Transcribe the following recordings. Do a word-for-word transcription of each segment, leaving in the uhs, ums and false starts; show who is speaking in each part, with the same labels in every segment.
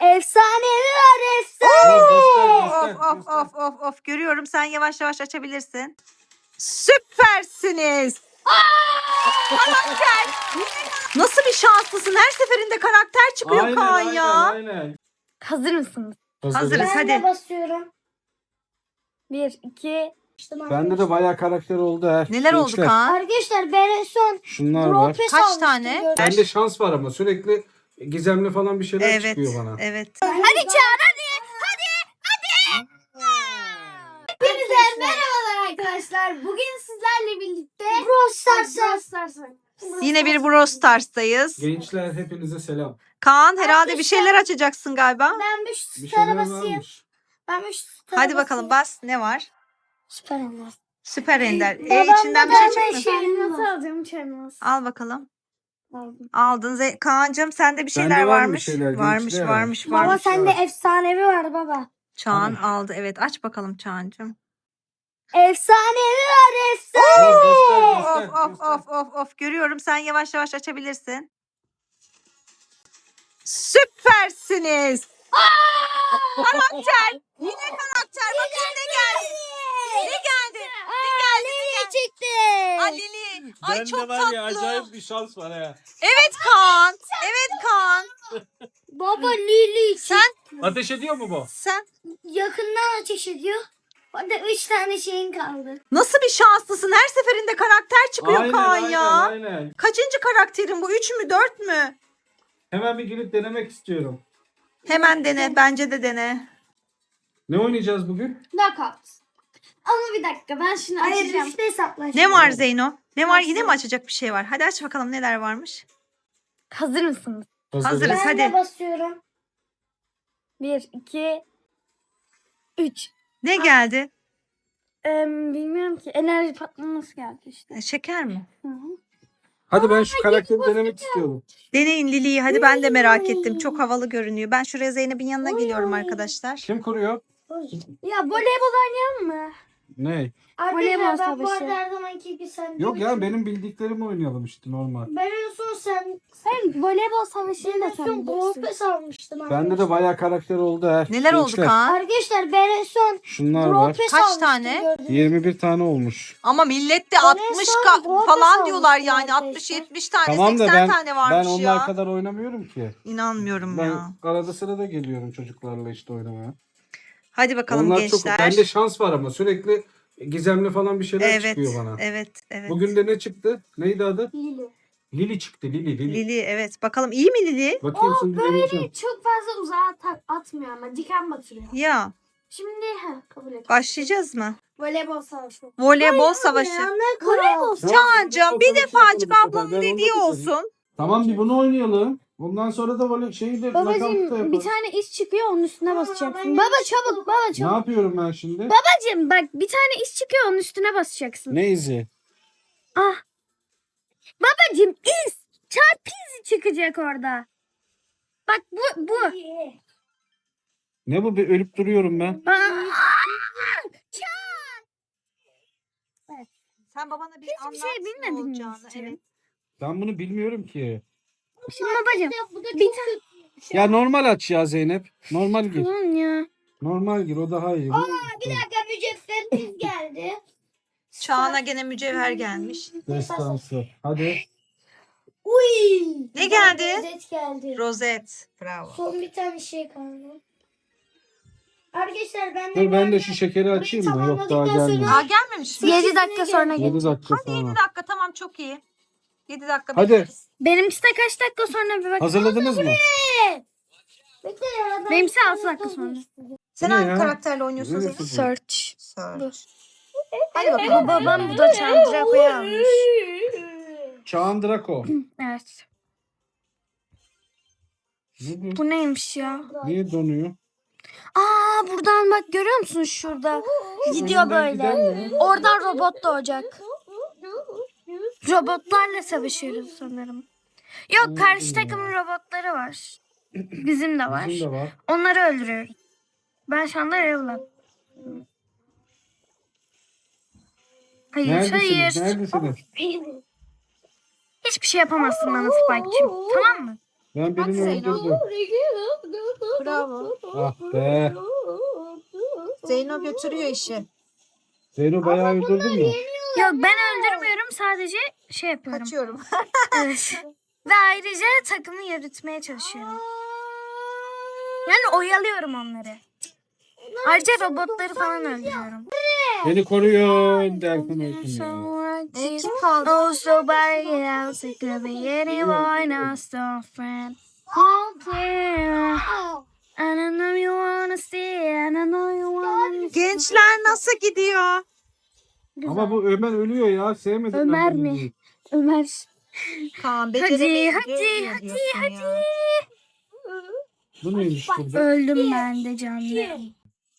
Speaker 1: Efsanevi var efsane.
Speaker 2: Of of of of of görüyorum, sen yavaş yavaş açabilirsin. Süpersiniz. Karakter. Nasıl bir şanslısın, her seferinde karakter çıkıyor
Speaker 3: Aynen,
Speaker 2: Kaan
Speaker 3: aynen,
Speaker 2: ya.
Speaker 3: aynen.
Speaker 1: Hazır mısınız?
Speaker 2: Hazırız.
Speaker 1: Ben
Speaker 2: hadi.
Speaker 1: de basıyorum. Bir, iki.
Speaker 3: Bende de bayağı karakter oldu ha.
Speaker 2: Neler oldu
Speaker 3: Gençler,
Speaker 2: Kaan?
Speaker 1: Arkadaşlar ben en son
Speaker 3: Şunlar var.
Speaker 1: Dropes
Speaker 2: Kaç
Speaker 1: almıştım,
Speaker 2: tane?
Speaker 1: gördüm.
Speaker 3: Bende şans var ama sürekli gizemli falan bir şeyler
Speaker 2: Evet,
Speaker 3: çıkıyor bana.
Speaker 2: evet.
Speaker 1: Hadi Çağan hadi. Hadi. Hadi. Hepinize merhabalar arkadaşlar. Bugün sizlerle birlikte Brawl Stars'a
Speaker 2: Yine bir Brawl Stars'tayız.
Speaker 3: Gençler hepinize selam.
Speaker 2: Kaan herhalde bir şeyler açacaksın galiba.
Speaker 1: Ben bir
Speaker 3: Bir
Speaker 1: şu
Speaker 3: şeyler
Speaker 1: stara basayım.
Speaker 3: varmış.
Speaker 1: Ben bir şu stara
Speaker 2: Hadi bakalım bas. Ne var?
Speaker 1: Süper Ender.
Speaker 2: Süper Ender. E,
Speaker 1: Babam
Speaker 2: içinden
Speaker 1: da
Speaker 2: bir şey
Speaker 1: ben
Speaker 2: çıktı mı?
Speaker 1: şey nasıl alacağım çelmez.
Speaker 2: Al bakalım.
Speaker 1: Aldım.
Speaker 2: Aldın. Ze- Kaan'cığım sende bir şeyler
Speaker 3: Bende var mı
Speaker 2: varmış.
Speaker 3: bir şeyler,
Speaker 2: varmış,
Speaker 3: gençler?
Speaker 2: varmış,
Speaker 1: Baba
Speaker 2: varmış.
Speaker 1: sende efsanevi var baba.
Speaker 2: Çağan
Speaker 3: Hani?
Speaker 2: aldı. Evet, aç bakalım Çağan'cığım.
Speaker 1: Efsanevi var efsane.
Speaker 3: Dur, göster, göster,
Speaker 2: Of of
Speaker 3: göster.
Speaker 2: of of of görüyorum, sen yavaş yavaş açabilirsin. Süpersiniz. Karakter. Yine karakter. Bakayım ne geldi. Ne geldi? Ne geldi? Ne geldi?
Speaker 1: çıktı.
Speaker 2: Aa, Lili. Ay
Speaker 3: Bende
Speaker 2: çok
Speaker 3: var
Speaker 2: tatlı.
Speaker 3: ya, acayip bir şans var ha.
Speaker 2: Evet Kaan. Evet Kaan.
Speaker 1: Baba Lili
Speaker 2: Sen
Speaker 3: Ateş ediyor mu bu?
Speaker 2: sen
Speaker 1: yakından ateş ediyor. Orada üç tane şeyin kaldı.
Speaker 2: nasıl bir şanslısın? Her seferinde karakter çıkıyor
Speaker 3: Aynen,
Speaker 2: Kaan
Speaker 3: aynen,
Speaker 2: ya.
Speaker 3: aynen.
Speaker 2: Kaçıncı karakterin bu? Üç mü? Dört mü?
Speaker 3: Hemen bir girip denemek istiyorum.
Speaker 2: Hemen dene. Bence de dene.
Speaker 3: Ne oynayacağız bugün?
Speaker 1: Knockout. Ama bir dakika ben şunu Hayır, açacağım. Hayır hesaplaşma.
Speaker 2: Ne var Zeyno? Ne var?
Speaker 1: Nasıl?
Speaker 2: Yine mi açacak bir şey var? Hadi aç bakalım neler varmış.
Speaker 1: Hazır mısınız?
Speaker 2: Hazırız.
Speaker 1: Ben
Speaker 2: hadi.
Speaker 1: de basıyorum. Bir, iki, üç.
Speaker 2: Ne geldi?
Speaker 1: Ee, bilmiyorum ki. Enerji patlaması geldi işte.
Speaker 2: E, Şeker mi?
Speaker 1: Hı hı.
Speaker 3: Hadi ben şu karakteri denemek istiyorum.
Speaker 2: Deneyin Lili'yi. Hadi ben de merak ettim. Çok havalı görünüyor. Ben şuraya Zeynep'in yanına geliyorum arkadaşlar.
Speaker 3: Kim kuruyor?
Speaker 1: Ya voleybol oynayalım mı?
Speaker 3: Ne?
Speaker 1: Voleybol savaşı. Her zamanki gibi sen.
Speaker 3: Yok ya, benim bildiklerimi oynayalım işte, normal.
Speaker 1: Ben en son sen. Sen voleybol savaşını da sen bilirsin. Dropes almıştım.
Speaker 3: Bende de bayağı karakter oldu ha.
Speaker 2: Neler oldu
Speaker 3: Gençler,
Speaker 2: Kaan?
Speaker 1: Arkadaşlar ben en son
Speaker 3: Şunlar var.
Speaker 1: Dropes
Speaker 2: Kaç
Speaker 1: almıştım,
Speaker 2: tane?
Speaker 1: gördünüz mü?
Speaker 3: yirmi bir tane olmuş.
Speaker 2: Ama millet de
Speaker 1: Ben en
Speaker 2: altmış
Speaker 1: son
Speaker 2: ka-
Speaker 1: Dropes
Speaker 2: falan diyorlar
Speaker 1: almıştım
Speaker 2: yani.
Speaker 1: arkadaşlar.
Speaker 2: altmış yetmiş tane,
Speaker 3: Tamam da
Speaker 2: seksen
Speaker 3: ben
Speaker 2: tane varmış
Speaker 3: ben onlar
Speaker 2: ya.
Speaker 3: kadar oynamıyorum ki.
Speaker 2: İnanmıyorum
Speaker 3: Ben
Speaker 2: ya.
Speaker 3: arada sırada geliyorum çocuklarla işte oynamaya.
Speaker 2: Hadi bakalım
Speaker 3: Onlar
Speaker 2: gençler.
Speaker 3: çok, bende şans var ama sürekli gizemli falan bir şeyler
Speaker 2: Evet,
Speaker 3: çıkıyor bana.
Speaker 2: evet, evet.
Speaker 3: Bugün de ne çıktı? Neydi adı?
Speaker 1: Lili.
Speaker 3: Lili çıktı, Lili, Lili.
Speaker 2: Lili, evet. Bakalım iyi mi Lili?
Speaker 3: Bakayım şimdi deneyeceğim.
Speaker 1: Çok fazla uzağa tak atmıyor ama diken batırıyor.
Speaker 2: Ya,
Speaker 1: Şimdi ha kabul et.
Speaker 2: başlayacağız mı?
Speaker 1: Voleybol savaşı.
Speaker 2: Voleybol savaşı.
Speaker 1: Voleybol
Speaker 2: Çağan'cığım bir
Speaker 3: Voleybol
Speaker 2: defacık
Speaker 3: savaşı
Speaker 2: ablanın
Speaker 3: yapalım bu sefer. Ben
Speaker 2: dediği
Speaker 3: onu da
Speaker 2: olsun.
Speaker 3: Tamam, bir bunu oynayalım. Ondan sonra da böyle şeyi de nakavtta
Speaker 1: Babacım
Speaker 3: yaparız.
Speaker 1: bir tane iş çıkıyor onun üstüne basacaksın. Baba çabuk baba
Speaker 3: Ne
Speaker 1: çabuk.
Speaker 3: yapıyorum ben şimdi?
Speaker 1: Babacım bak bir tane iş çıkıyor onun üstüne basacaksın.
Speaker 3: Ne izi?
Speaker 1: Ah. Babacım iz. Çarpı izi çıkacak orada. Bak bu bu.
Speaker 3: Ne bu? Bir ölüp duruyorum ben.
Speaker 1: Aa,
Speaker 2: Sen babana bir
Speaker 1: Hiçbir şey
Speaker 2: anlat ne
Speaker 1: bilmedin mi
Speaker 2: olacağını.
Speaker 1: sen?
Speaker 2: Evet.
Speaker 3: Ben bunu bilmiyorum ki.
Speaker 1: Şimdi babacım bir tane.
Speaker 3: Ya normal aç ya Zeynep. Normal gir.
Speaker 1: Tamam ya.
Speaker 3: Normal gir, o daha iyi.
Speaker 1: Bir dakika mücevheriniz geldi.
Speaker 2: Çağan'a gene mücevher gelmiş.
Speaker 3: Destansı. Hadi.
Speaker 1: Uy.
Speaker 2: Ne geldi?
Speaker 1: Rozet geldi.
Speaker 2: Rozet. Bravo.
Speaker 1: Son bir tane şey kaldı. Arkadaşlar ben de
Speaker 3: Dur ben de şu şekeri açayım mı? Yok, daha gelmedi.
Speaker 2: Aa gelmemiş mi?
Speaker 1: yedi dakika sonra
Speaker 3: yedi
Speaker 1: gelecek.
Speaker 3: dakika
Speaker 2: Hadi yedi
Speaker 3: sonra.
Speaker 2: dakika, tamam, çok iyi. yedi dakika
Speaker 3: Hadi.
Speaker 2: bekleriz.
Speaker 1: Benimkisi de kaç dakika sonra bir bak.
Speaker 3: Hazırladınız mı?
Speaker 1: Benimkisi altı dakika sonra.
Speaker 2: Sen
Speaker 3: Bu ne
Speaker 2: hangi
Speaker 3: ya?
Speaker 2: karakterle oynuyorsun
Speaker 3: Neresi
Speaker 2: Zeynep?
Speaker 3: bu?
Speaker 1: Search.
Speaker 2: Search. Hadi
Speaker 1: Bu
Speaker 2: bakalım.
Speaker 1: babam bu da Chandrako'yu almış.
Speaker 3: Çağan Draco.
Speaker 1: Evet.
Speaker 3: Ne bu?
Speaker 1: Bu neymiş ya?
Speaker 3: Niye donuyor?
Speaker 1: Aa buradan bak görüyor musun şurada? Gidiyor
Speaker 3: Önünden giden
Speaker 1: böyle.
Speaker 3: mi?
Speaker 1: Oradan robot doğacak. Robotlarla savaşıyoruz sanırım. Yok karşı takımın robotları var. Bizim de var.
Speaker 3: Bizim de var.
Speaker 1: Onları öldürüyoruz. Ben şu anda Revla. Hayır
Speaker 3: Neredesiniz?
Speaker 1: hayır.
Speaker 3: Neredesiniz?
Speaker 1: Hiçbir şey yapamazsın bana Spike'cığım. Tamam mı?
Speaker 3: Ben birini
Speaker 2: Hadi Zeyno.
Speaker 3: öldürdüm.
Speaker 2: Bravo.
Speaker 3: Ah be.
Speaker 2: Zeyno götürüyor işi.
Speaker 3: Zeyno bayağı öldürdün mü?
Speaker 1: Yok ben öldürmüyorum, sadece şey yapıyorum.
Speaker 2: Kaçıyorum.
Speaker 1: Evet. Ve ayrıca takımı yürütmeye çalışıyorum. Yani oyalıyorum onları. Ayrıca robotları falan öldürüyorum.
Speaker 3: Beni koruyun derken öldüm ya.
Speaker 2: E, kim kaldı?
Speaker 1: Oh, somebody else, it could be anyone else, a friend. Oh, yeah. And I know you wanna see, and I know you wanna see.
Speaker 2: Gençler nasıl gidiyor?
Speaker 3: Ama bu Ömer ölüyor ya. Sevmedim
Speaker 1: Ömer
Speaker 3: ben bunu.
Speaker 1: mi? Ömer.
Speaker 2: Kaan
Speaker 1: Hadi,
Speaker 2: beceremeyince
Speaker 1: hadi,
Speaker 2: ölüyor
Speaker 1: hadi,
Speaker 2: diyorsun
Speaker 1: hadi.
Speaker 2: ya.
Speaker 3: Bu neymiş burada?
Speaker 1: Öldüm ben de canım.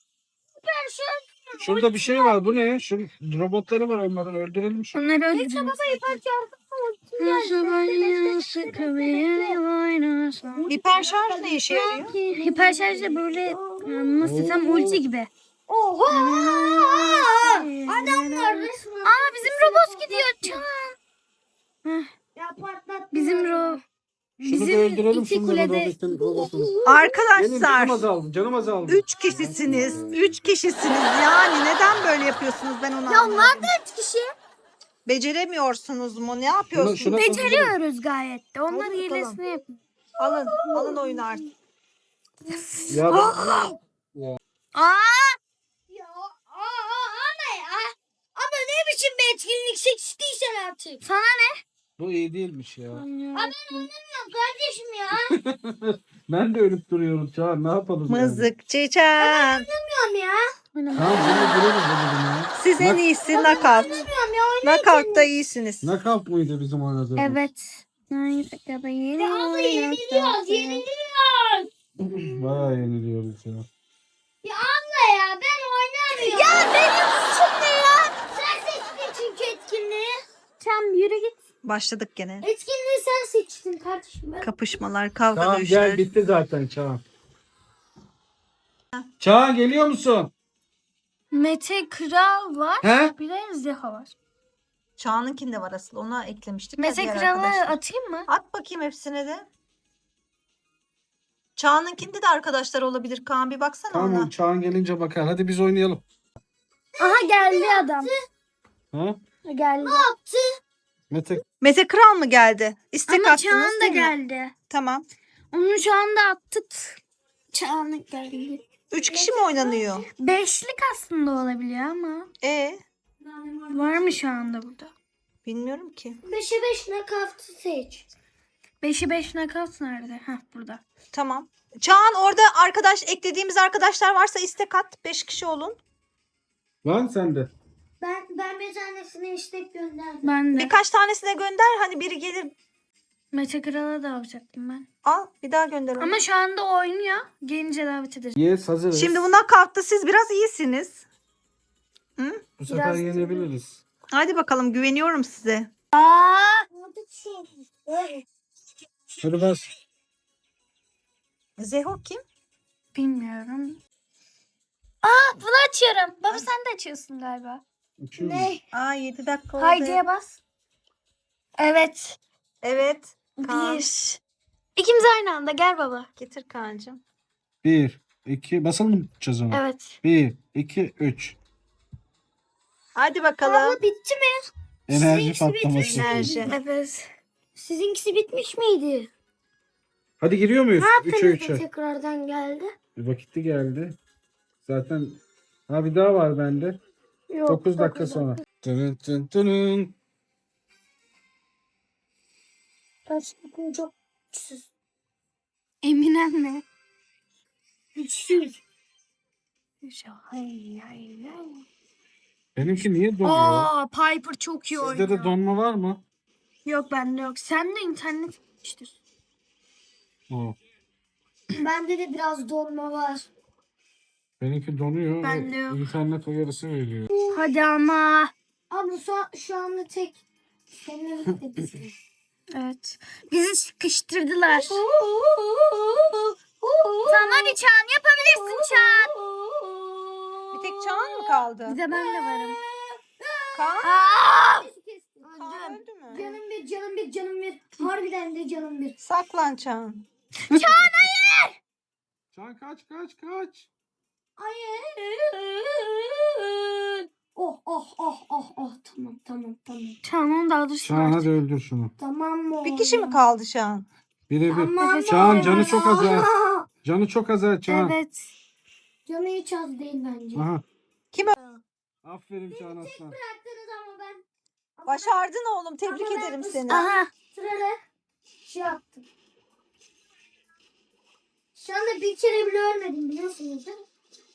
Speaker 3: Şurada bir şey var. Bu ne? Şu robotları var onların. Öldürelim şu.
Speaker 1: Onları öldürüyorum.
Speaker 2: Hiper şarj ne işe yarıyor?
Speaker 1: Hiper şarj da böyle nasıl desem ulti gibi.
Speaker 4: Oha! Adamlar resmen.
Speaker 1: Aa bizim robot gidiyor Can.
Speaker 4: Ya patlattı.
Speaker 1: Bizim ro
Speaker 3: Şunu da
Speaker 1: bizim
Speaker 3: öldürelim.
Speaker 1: iki
Speaker 3: Şunu da
Speaker 1: kulede
Speaker 3: robotun robotunu. Benim canım
Speaker 2: Arkadaşlar
Speaker 3: azaldı. Canım azaldı.
Speaker 2: üç kişisiniz. Üç kişisiniz yani neden böyle yapıyorsunuz ben onu
Speaker 4: Ya
Speaker 2: anlamadım.
Speaker 4: onlar da üç kişi.
Speaker 2: Beceremiyorsunuz mu? Ne
Speaker 3: Şuna,
Speaker 2: yapıyorsunuz?
Speaker 3: şuna
Speaker 1: beceriyoruz gayet de. Onlar
Speaker 2: Hadi bakalım.
Speaker 1: hilesini yapıyor.
Speaker 2: Alın, alın oyunu artık.
Speaker 3: Ya ben-
Speaker 1: Aa!
Speaker 4: Ya aa, ama ya. Ama ne biçim bir etkinlik seçtiysen artık.
Speaker 1: Sana ne?
Speaker 3: bu iyi değilmiş ya.
Speaker 4: Aa, ben oynamıyorum kardeşim ya.
Speaker 3: Ben de ölüp duruyorum Çağan. Ne yapalım
Speaker 2: Mızıkçı Can.
Speaker 4: Oynamıyorum ya.
Speaker 3: yani? Tamam bunu girelim dedim ya.
Speaker 2: Siz en iyisi knockout.
Speaker 4: Oynamıyorum ya.
Speaker 2: Knockout'ta iyisiniz.
Speaker 3: Knockout muydu bizim oynadığımız?
Speaker 1: Evet. Neyse kadar yeni
Speaker 4: Ya abla yeniliyoruz yeniliyoruz.
Speaker 3: Bayağı yeniliyoruz ya.
Speaker 4: Ya abla ya ben oynamıyorum. Ya benim suçum ne ya? Sen seçtin çünkü etkinliği.
Speaker 1: Tam yürü git.
Speaker 2: Başladık gene.
Speaker 4: Etkinliği sen seçtin kardeşim. Ben...
Speaker 2: Kapışmalar, kavga
Speaker 3: Tamam
Speaker 2: dövüşler.
Speaker 3: gel bitti zaten Çağan. Çağan geliyor musun?
Speaker 1: Mete Kral var.
Speaker 3: He?
Speaker 1: Bir de Zeha var.
Speaker 2: Çağan'ınkinde var asıl. Ona eklemiştik. ya
Speaker 1: Mete
Speaker 2: diğer
Speaker 1: Kral'ı
Speaker 2: arkadaşlar.
Speaker 1: atayım mı?
Speaker 2: At bakayım hepsine de. Çağan'ınkinde de arkadaşlar olabilir. Kaan bir baksana
Speaker 3: Tamam
Speaker 2: ona.
Speaker 3: Çağan gelince bakar. Hadi biz oynayalım.
Speaker 1: Aha geldi adam.
Speaker 3: Ha?
Speaker 1: Geldi.
Speaker 3: Mete
Speaker 2: Mete Kral mı geldi? İstek
Speaker 1: Ama
Speaker 2: attınız
Speaker 1: Çağan da
Speaker 2: değil mi?
Speaker 1: geldi.
Speaker 2: Tamam.
Speaker 1: Onu şu anda attık. Çağan geldi.
Speaker 2: Üç kişi mi oynanıyor?
Speaker 1: Beşlik aslında olabiliyor ama.
Speaker 2: E
Speaker 1: Var mı şu anda burada?
Speaker 2: bilmiyorum ki.
Speaker 4: Beşe beş nakavtı seç.
Speaker 1: Beşi beş knockout nerede? Heh burada.
Speaker 2: Tamam. Çağan orada arkadaş eklediğimiz arkadaşlar varsa istek at. Beş kişi olun.
Speaker 3: var mı sende?
Speaker 4: Ben ben bir tanesine istek gönderdim.
Speaker 1: Ben de.
Speaker 2: Birkaç tanesine gönder. Hani biri gelir.
Speaker 1: Mete Kral'a da alacaktım ben.
Speaker 2: Al bir daha gönder onu.
Speaker 1: Ama şu anda oynuyor. Gelince davet ederiz.
Speaker 3: Yes hazırız.
Speaker 2: Şimdi bu knockout'ta siz biraz iyisiniz.
Speaker 3: Bu sefer
Speaker 1: biraz-
Speaker 3: yenebiliriz.
Speaker 2: Hadi bakalım güveniyorum size.
Speaker 3: Hadi bas.
Speaker 2: Zeho kim?
Speaker 1: Bilmiyorum. Aa bunu açıyorum. Baba sen de açıyorsun galiba.
Speaker 3: Uçuyoruz.
Speaker 2: Aa yedi dakika oldu.
Speaker 1: Haydi'ye bas. Evet.
Speaker 2: Evet. Kaan.
Speaker 1: Bir. İkimiz aynı anda. Gel baba.
Speaker 2: Getir Kaan'cığım.
Speaker 3: Bir, iki, basalım mı tutacağız onu?
Speaker 1: Evet.
Speaker 3: Bir, iki, üç.
Speaker 2: Hadi bakalım.
Speaker 4: Abla bitti mi?
Speaker 3: Enerji
Speaker 4: Sizinkisi bitmiş
Speaker 3: patlaması.
Speaker 2: Enerji.
Speaker 1: Evet.
Speaker 4: Sizinkisi bitmiş miydi?
Speaker 3: Hadi giriyor muyuz?
Speaker 4: Ne
Speaker 3: Üçe
Speaker 4: yaptınız da
Speaker 3: üçe.
Speaker 4: tekrardan geldi?
Speaker 3: Bir vakitli geldi. Zaten ha bir daha var bende.
Speaker 4: Yok.
Speaker 3: dokuz dakika sonra. Tının tın tının.
Speaker 4: Gerçekten çok güçsüz.
Speaker 1: Eminem mi?
Speaker 4: Güçsüz.
Speaker 1: Hay hay hay.
Speaker 3: Benimki niye donuyor?
Speaker 1: Aa Piper çok iyi
Speaker 3: Sizde
Speaker 1: oynuyor.
Speaker 3: de donma var mı?
Speaker 1: Yok bende yok. Sen de internet gitmiştir.
Speaker 3: Oo.
Speaker 4: Bende de biraz donma var.
Speaker 3: Benimki donuyor.
Speaker 1: Bende
Speaker 3: ve
Speaker 1: yok.
Speaker 3: İnternet uyarısı veriyor.
Speaker 1: Hadi ama.
Speaker 4: Ama şu, şu anda tek senin birlikte
Speaker 1: Evet. Bizi sıkıştırdılar. Tamam hadi Çağan yapabilirsin Çağan.
Speaker 2: Bir tek Çağan mı kaldı?
Speaker 1: Bir de ben de varım.
Speaker 2: Kaan,
Speaker 1: Aa!
Speaker 2: Kaan
Speaker 4: Öldüm.
Speaker 2: öldü mü?
Speaker 4: Canım bir, canım bir, canım bir. Harbiden de canım bir.
Speaker 2: Saklan Çağan.
Speaker 3: Çağan kaç kaç kaç.
Speaker 4: Hayır. Oh oh oh oh oh tamam tamam tamam.
Speaker 1: Çağan daha dur.
Speaker 3: Çağan hadi öldür şunu.
Speaker 4: Tamam mı?
Speaker 2: Bir kişi mi kaldı şu an?
Speaker 3: Birebir.
Speaker 4: Tamam.
Speaker 3: Çağan canı çok az ha.
Speaker 4: Aa,
Speaker 3: Canı çok az ha Çağan.
Speaker 1: Evet.
Speaker 4: Canı hiç az değil bence.
Speaker 3: Aha.
Speaker 2: Kim
Speaker 3: Aferin Çağan aslan.
Speaker 4: Bıraktınız ama ben. Ama
Speaker 2: Başardın oğlum. Tebrik
Speaker 4: Ama ben
Speaker 2: ederim
Speaker 4: bu-
Speaker 2: seni.
Speaker 1: Aha.
Speaker 4: Sırada şey yaptım. Şu anda bir kere bile ölmedim biliyorsunuz değil mi?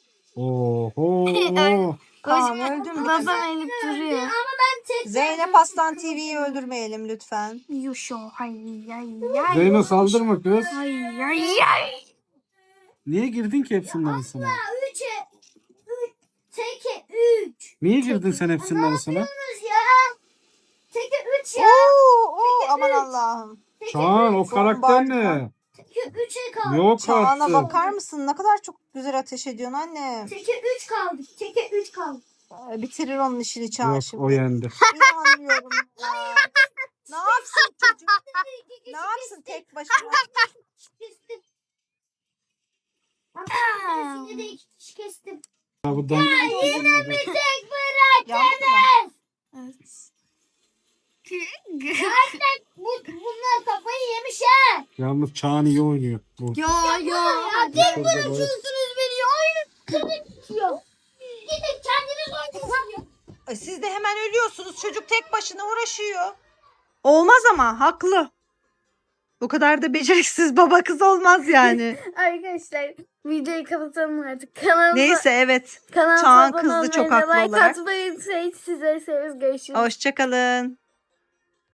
Speaker 3: Oho.
Speaker 2: Kaan öldün mü?
Speaker 1: Babam elip duruyor.
Speaker 4: Ama ben tek
Speaker 2: Zeynep Aslan T V'yi öldürmeyelim lütfen.
Speaker 1: Yuşo. Hay hay hay.
Speaker 3: Zeyno saldırma kız.
Speaker 1: Hay hay hay.
Speaker 3: Niye girdin ki hepsinin arasına?
Speaker 4: üçe üç teke üç.
Speaker 3: Niye girdin sen hepsinin arasına?
Speaker 4: Yapıyorsunuz ya. Teke üç ya.
Speaker 2: Oo, oo, aman Allah'ım.
Speaker 3: Çağan o karakter ne?
Speaker 4: Teke üçe kaldı.
Speaker 3: Yok
Speaker 2: Çağan'a
Speaker 3: artık.
Speaker 2: bakar mısın? Ne kadar çok güzel ateş ediyorsun anne.
Speaker 4: Teke üç kaldı. Teke üç kaldı.
Speaker 2: Ee, Bitirir onun işini Çağan
Speaker 3: Yok
Speaker 2: şimdi.
Speaker 3: o yendi.
Speaker 2: İnanmıyorum ya. Ne yapsın çocuk? Ne yapsın tek başına?
Speaker 4: Kestim. Ama yine de iki kişi kestim.
Speaker 3: Ha, bu dan-
Speaker 4: Yine bir tek bırak.
Speaker 2: Yandı mı?
Speaker 1: Evet.
Speaker 4: Zaten bu, bunlar kafayı yemiş ha.
Speaker 3: Yalnız Çağan iyi oynuyor. Bu.
Speaker 1: Yo yo.
Speaker 4: Ya tek
Speaker 3: Şurada
Speaker 4: bırakıyorsunuz beni. Oyun kırık bitiyor. Gidin kendiniz oynayın.
Speaker 2: E, Siz de hemen ölüyorsunuz. Çocuk tek başına uğraşıyor. Olmaz ama haklı. Bu kadar da beceriksiz baba kız olmaz yani.
Speaker 1: Arkadaşlar videoyu kapatalım artık. Kanalımıza,
Speaker 2: Neyse evet.
Speaker 1: kanalımıza
Speaker 2: Çağan
Speaker 1: abone
Speaker 2: kızdı
Speaker 1: olmayı
Speaker 2: çok
Speaker 1: ve
Speaker 2: haklı
Speaker 1: like
Speaker 2: olarak.
Speaker 1: atmayı unutmayın. Size severiz. Görüşürüz.
Speaker 2: Hoşçakalın.